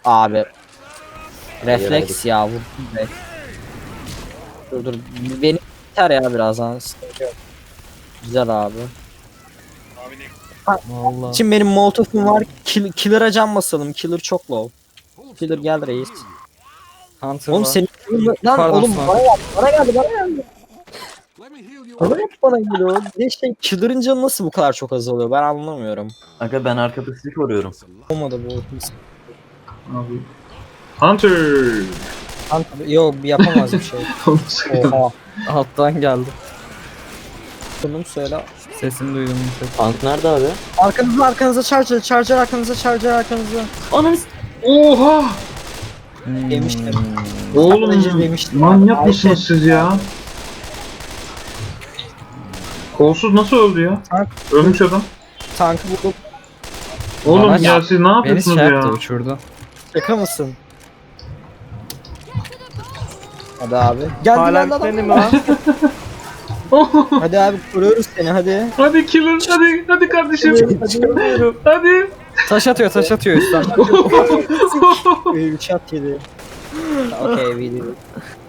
Abi. Refleks ya vurdum be. Dur. Beni biter ya birazdan. Sıkıntı yok. Güzel abi. Vallahi. Şimdi benim molotofum var. Killer'a can basalım. Killer çok low. Killer gel reis. Hunter Oğlum var. senin lan Pardon, oğlum Sniper. bana geldi. Bana geliyor. Bir de şey Killer'ın canı nasıl bu kadar çok azalıyor ben anlamıyorum. Aga ben arka pısını koruyorum. Olmadı bu. Abi. Hunter. Yok yapamaz bir şey. Oha. Alttan geldi. Bunu söyle. Sesini duydum. Tank nerede abi? Arkanıza charger arkanıza. Ananı Oha! Yemiştim. Oğlum Sadece demiştim. manyak Abi, mısınız siz ya? Kolsuz nasıl öldü ya? Tank. Ölmüş adam. Tankı buldum. Oğlum Bana ya ya- siz ne Beni yapıyorsunuz şey ya? yaptı, uçurdu. Şaka mısın? Hadi abi. Geldi Hala lan benim adam. ha. Hadi abi kuruyoruz seni hadi. Hadi killer hadi kardeşim. Hadi. Taş atıyor üstten. 3 at yedi. Okey video.